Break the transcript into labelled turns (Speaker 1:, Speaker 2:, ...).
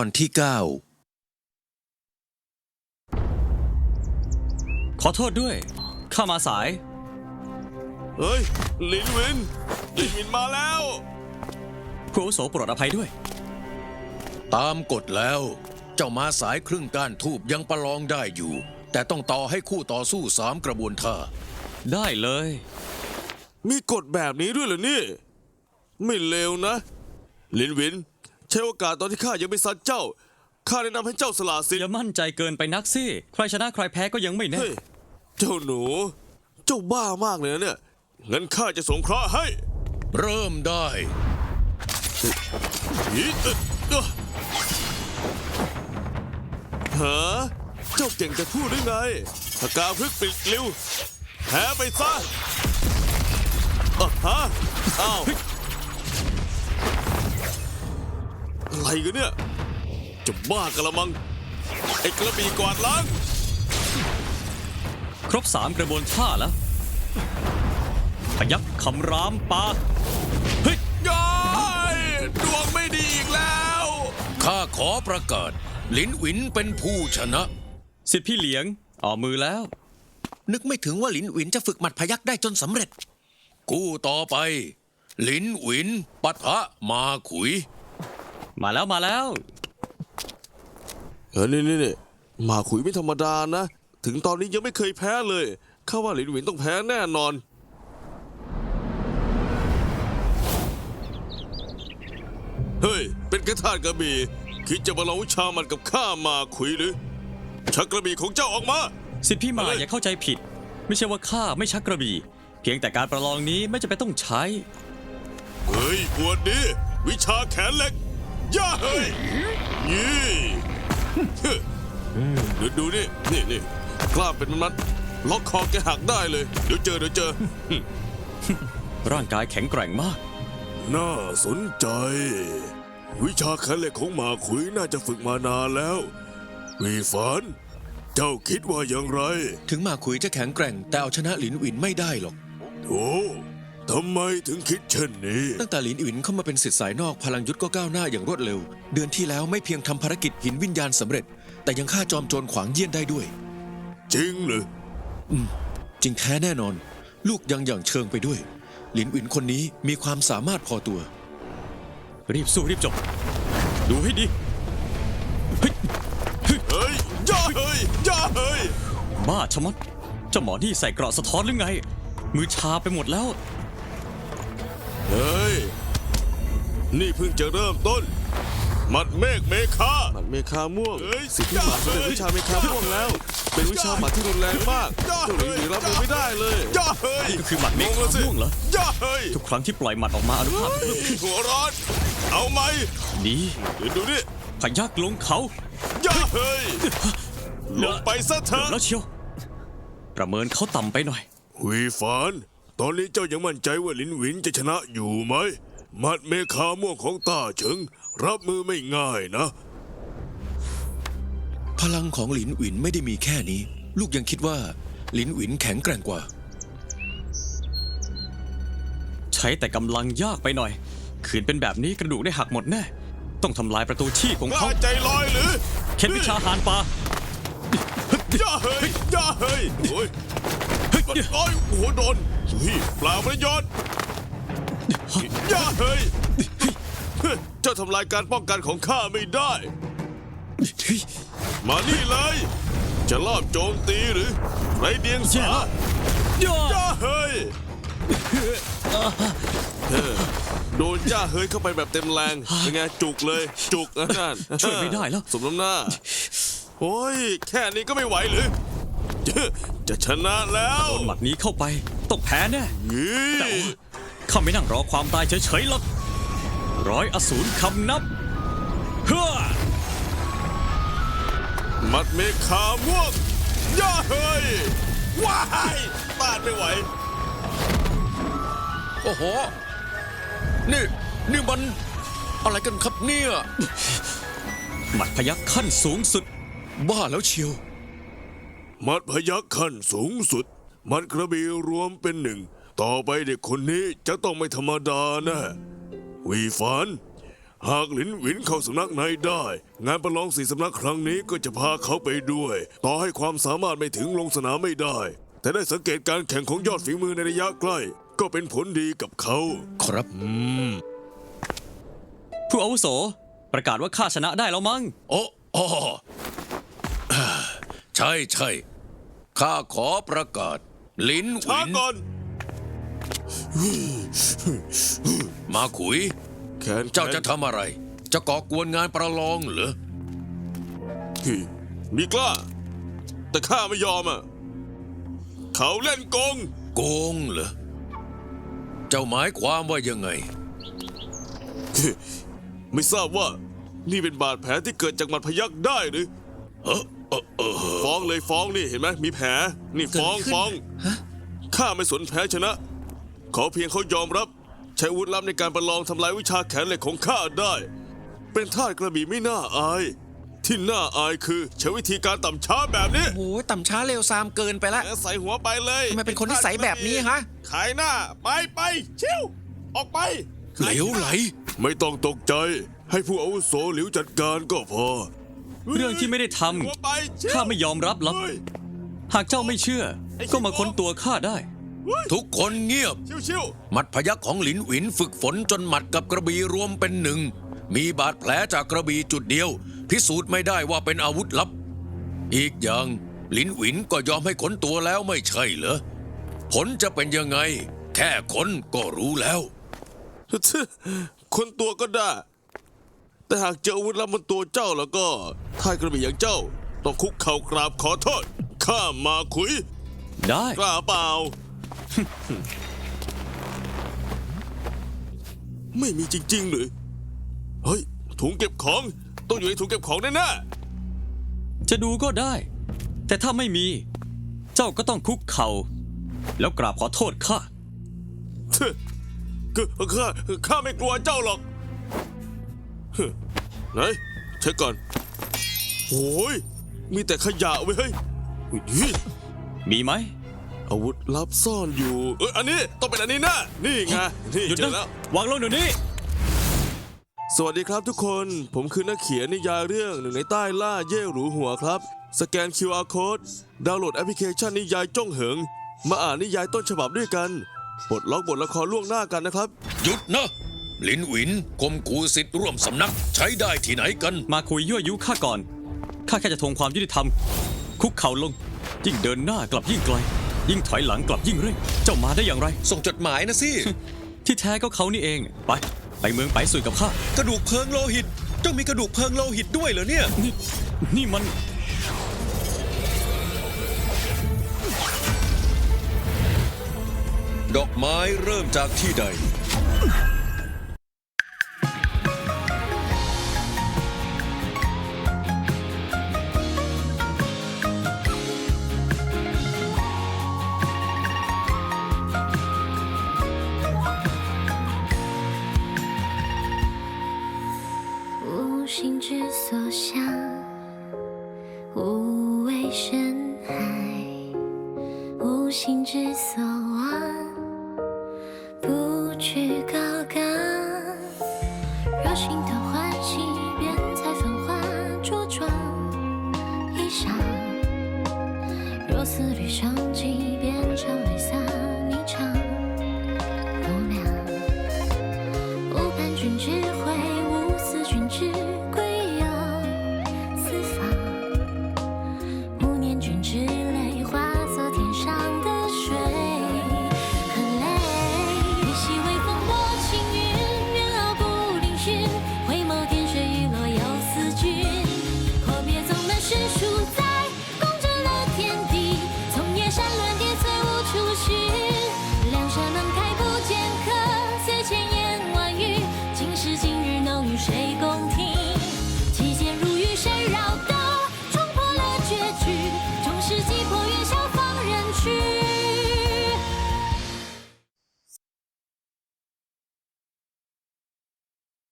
Speaker 1: อนที่
Speaker 2: ขอโทษด้วย ข้ามาสาย
Speaker 3: เฮ้ยลินวินมาแล้ว
Speaker 2: ผู้อาวุโสโปรดอภัยด้วย
Speaker 1: 9 ตามกฎแล้ว เจ้ามาสายครึ่งก้านทูบยังประลองได้อยู่ แต่ต้องต่อให้คู่ต่อสู้3 กระบวนท่า
Speaker 2: ได้เลย
Speaker 3: มีกฎแบบนี้ด้วยเหรอนี่ ไม่เลวนะ ลินวินใช้โอกาสตอนที่ข้ายังไม่ซัดเจ้า ข้าแนะนำให้เจ้าสละสิท
Speaker 2: อย่า
Speaker 3: ธิ์
Speaker 2: มั่นใจเกินไปนักสิ ใครชนะใครแพ้ก็ยังไม่แน่
Speaker 3: เฮ้ย เจ้าหนู เจ้าบ้ามากเลยนะเนี่ยงั้นข้าจะสงเคราะห์ให้
Speaker 1: เริ่มได้
Speaker 3: ฮะเจ้าเก่งจะพูดได้ไงปากกาพลึกปิดลิ้วแพ้ไปซะฮะอ้าวอะไรกันเนี่ย จะบ้ากันละมัง ไอ้กระบี่กวาดล้าง
Speaker 2: ครบ3 กระบวนท่าแล้ว พยัคฆ์คำรามปาเฮ้ย
Speaker 3: ย้ายดวงไม่ดีอีกแล้ว
Speaker 1: ข้าขอประกาศลินหวินเป็นผู้ชนะ
Speaker 2: สิทธิพี่เหลียงออกมือแล้ว
Speaker 1: นึกไม่ถึงว่าลินหวินจะฝึกหมัดพยักได้จนสำเร็จ กู้ต่อไปลินหวินปะทะมาขุย
Speaker 2: มาแล้ว
Speaker 3: นี่หมาขุยไม่ธรรมดานะ ถึงตอนนี้ยังไม่เคยแพ้เลยข้าว่าหลินหวินต้องแพ้แน่นอน เฮ้ย เป็นกระทาสกระบี่คิดจะมาลองวิชามันกับข้ามาขุยหรือ ชักกระบี่ของเจ้าออกมา
Speaker 2: สิทธิพี่มา
Speaker 3: อะไร
Speaker 2: อย่าเข้าใจผิด ไม่ใช่ว่าข้าไม่ชักกระบี่ เพียงแต่การประลองนี้ไม่จำเป็นต้องใช้
Speaker 3: เฮ้ยปวดดีวิชาแขนเหล็ก ย่าเฮ้ยนี่ดูนี่กล้ามเป็นมัดล็อกคอแกหักได้เลย เดี๋ยวเจอ
Speaker 2: ร่างกายแข็งแกร่งมาก
Speaker 3: น่าสนใจ วิชาแขนเหล็กของหมาขุยน่าจะฝึกมานานแล้ววีฟานเจ้าคิดว่าอย่างไร
Speaker 1: ถึงมาขุยจะแข็งแกร่งแต่เอาชนะลินหวินไม่ได้หรอก
Speaker 3: โอ้ทำไมถึงคิดเช่นนี้
Speaker 1: ตั้งแต่ลินหวินเข้ามาเป็นศิษย์สายนอกพลังยุทธก็ก้าวหน้าอย่างรวดเร็ว เดือนที่แล้วไม่เพียงทำภารกิจหินวิญญาณสำเร็จ แต่ยังฆ่าจอมโจรขวางเยี่ยนได้ด้วย
Speaker 3: จริงหรือ
Speaker 1: จริงแท้แน่นอน ลูกยังอย่างเชิงไปด้วยลินหวินคนนี้มีความสามารถพอตัว
Speaker 2: รีบสู้รีบจบ ดูให้ดี
Speaker 3: เฮ้ยย่าเฮ้ย
Speaker 2: บ้าชะมัดเจ้าหมอนี่ใส่เกราะสะท้อนหรือไง มือชาไปหมดแล้ว
Speaker 3: เฮ้ย นี่เพิ่งจะเริ่มต้น หมัดเมฆเมฆาหมัดเมฆาม่วงสิทธิหมัดเป็นวิชาเมฆาม่วงแล้ว เป็นวิชาหมัดที่รุนแรงมากเจ้าหลินรับมือไม่ได้เลยย่าเฮ้ย
Speaker 2: นี่ก็คือหมัดเมฆาม่วงเหรอ
Speaker 3: ย่าเฮ้ย
Speaker 2: ทุกครั้งที่ปล่อยหมัดออกมาอนุภาพจะเพิ่มขึ้น
Speaker 3: หัวร้อน เอาไหม
Speaker 2: นี่
Speaker 3: เดี๋ยวดูนี่
Speaker 2: พยักลงเขา
Speaker 3: ย่าเฮ้ย ลงไปซะเถอะ
Speaker 2: แล้วเชียว ประเมินเขาต่ำไปหน่อย
Speaker 3: วีฟาน ตอนนี้เจ้ายังมั่นใจว่าลินหวินจะชนะอยู่ไหมหมัดเมฆาม่วงของต้าเฉิง รับมือไม่ง่ายนะ
Speaker 1: พลังของลินหวินไม่ได้มีแค่นี้ ลูกยังคิดว่าลินหวินแข็งแกร่งกว่า
Speaker 2: ใช้แต่กำลังยากไปหน่อย ขืนเป็นแบบนี้กระดูกได้หักหมดแน่ ต้องทำลายประตูชีพของ
Speaker 3: กล้า
Speaker 2: เขา
Speaker 3: ใจลอยหรือ
Speaker 2: เข็นวิชาหานปลา
Speaker 3: ย่าเฮ้ยย่าเฮ้ยโอ้ยโอ้ยหัวโดนพี่เปล่าประโยชน์ย่าเฮ้ยเจ้าทำลายการป้องกันของข้าไม่ได้ มานี่เลย จะลอบโจมตีหรือไรเดียงสา
Speaker 2: ย่า
Speaker 3: ย่าเฮ้ยโดนย่าเฮ้ยเข้าไปแบบเต็มแรงเป็นไงจุกเลยจุกนะนั่น
Speaker 2: ช่วยไม่ได้แล้ว
Speaker 3: สมน้ำหน้า โอ้ย แค่นี้ก็ไม่ไหวหรือ จะชนะแล้ว
Speaker 2: โดนหมัดนี้เข้าไปต้องแพ้แน่
Speaker 3: นี่
Speaker 2: แต่ว่าข้าไม่นั่งรอความตายเฉยๆหรอกร้อยอสูรคำนับเฮ้อ
Speaker 3: หมัดเมฆาม่วงย่าเฮ้ยว้ายต้านไม่ไหว
Speaker 1: โอ้โห นี่มันอะไรกันครับเนี่ย
Speaker 2: หมัดพยักขั้นสูงสุด
Speaker 1: บ้าแล้วเชียว
Speaker 3: หมัดพยัคฆ์ขั้นสูงสุดหมัดกระบี่รวมเป็นหนึ่ง ต่อไปเด็กคนนี้จะต้องไม่ธรรมดาแนะวีฟานหากหลินหวินเข้าสำนักในได้ งานประลอง4สำนักครั้งนี้ก็จะพาเขาไปด้วย ต่อให้ความสามารถไม่ถึงลงสนามไม่ได้ แต่ได้สังเกตการแข่งของยอดฝีมือในระยะใกล้ ก็เป็นผลดีกับเขา
Speaker 1: ครับ
Speaker 2: ผู้อาวุโสประกาศว่าข้าชนะได้แล้วมั้ง
Speaker 1: โอ้อใช่ใช่ข้าขอประกาศหลินห
Speaker 3: ช้า
Speaker 1: วิน
Speaker 3: ก่อน
Speaker 1: มาขุย
Speaker 3: แขน
Speaker 1: เจ้าจะทำอะไร จะก่อกวนงานประลองเหรอ
Speaker 3: มีกล้า แต่ข้าไม่ยอมอ่ะ เขาเล่นโกง
Speaker 1: โกงเหรอ เจ้าหมายความว่ายังไง
Speaker 3: ไม่ทราบว่า นี่เป็นบาดแผลที่เกิดจากหมัดพยักได้หรือ ฟ้องเลยฟ้องนี่เห็นไหมมีแผลนี่ฟ้องฟ้องข้าไม่สนแพ้ชนะ ขอเพียงเขายอมรับ ใช้อาวุธลับในการประลองทำลายวิชาแขนเหล็กของข้าได้ เป็นทาสกระบี่ไม่น่าอาย ที่น่าอายคือใช้วิธีการต่ำช้าแบบนี้
Speaker 4: โอ้ยต่ำช้าเร็วซามเกินไปละ
Speaker 3: แกใส่หัวไปเลย
Speaker 4: ทำไมเป็นคนนิสัยแบบนี้ฮะ
Speaker 3: ขายหน้าไปชิวออกไป
Speaker 1: เหลวไหล
Speaker 3: ไม่ต้องตกใจ ให้ผู้อาวุโสหลิวจัดการก็พอ
Speaker 2: เรื่องที่ไม่ได้ท
Speaker 3: หัวไปชิ
Speaker 2: ำ
Speaker 3: ว
Speaker 2: ข้าไม่ยอมรับหรอก
Speaker 3: เฮ้ย
Speaker 2: หากเจ้าไม่เชื่อ ก็มาค้นตัวข้าได้
Speaker 1: ทุกคนเงียบ
Speaker 3: ชิว
Speaker 1: หมัดพยักของหลินหวินฝึกฝนจนหมัดกับกระบี่รวมเป็นหนึ่ง มีบาดแผลจากกระบี่จุดเดียว พิสูจน์ไม่ได้ว่าเป็นอาวุธลับ อีกอย่างหลินหวินก็ยอมให้ขนตัวแล้วไม่ใช่เหรอ ผลจะเป็นยังไง แค่ขนก็รู้แล้ว
Speaker 3: คนตัวก็ได้ แต่หากเจออาวุธลับบนตัวเจ้าแล้วก็ทายกระบี่อย่างเจ้า ต้องคุกเข่ากราบขอโทษ ข้ามาคุย
Speaker 2: ได้
Speaker 3: กล้าเปล่า ไม่มีจริงๆหรือ เฮ้ย ถุงเก็บของ ต้องอยู่ในถุงเก็บของแน่
Speaker 2: จะดูก็ได้ แต่ถ้าไม่มี เจ้าก็ต้องคุกเข่า แล้วกราบขอโทษข้า
Speaker 3: ๆคือข้าไม่กลัวเจ้าหรอกไหนเช็คก่อนโอ้ยมีแต่ขยะเว้ยเฮ้ย
Speaker 2: มีไหม
Speaker 3: อาวุธลับซ่อนอยู่ อันนี้ต้องเป็นอันนี้นะนี่ไงนี่
Speaker 2: หยุด
Speaker 3: เจอ
Speaker 2: นะ
Speaker 3: แล้ว
Speaker 2: วางลงเดี๋ยวนี้
Speaker 3: สวัสดีครับทุกคน ผมคือนักเขียนนิยายเรื่องหนึ่งในใต้ล่าเย่หรูหัวครับ สแกน QR Code ดาวน์โหลดแอปพลิเคชันนิยายจ้องเหิง มาอ่านนิยายต้นฉบับด้วยกันปลดล็อกบทละครล่วงหน้ากันนะครับ
Speaker 1: หยุดนะ หลินหวินคมขู่สิทธิ์ร่วมสำนักใช้ได้ที่ไหนกัน
Speaker 2: มาคุยยั่วยุข้าก่อน ข้าแค่จะทวงความยุติธรรม คุกเข่าลง ยิ่งเดินหน้ากลับยิ่งไกล ยิ่งถอยหลังกลับยิ่งเร่ง เจ้ามาได้อย่างไร
Speaker 1: ส่งจดหมายนะสิ
Speaker 2: ที่แท้ก็เขานี่เอง ไปเมืองไปสุยกับข้า
Speaker 1: กระดูกเพิงโลหิต เจ้ามีกระดูกเพิงโลหิตด้วยเหรอเนี่ย
Speaker 2: นี่มัน
Speaker 1: ดอกไม้เริ่มจากที่ใด
Speaker 5: 无心之所向，无畏深海；无心之所望，不去高岗。若心头欢喜，便采繁花着装衣裳；若思虑生计，便常泪洒。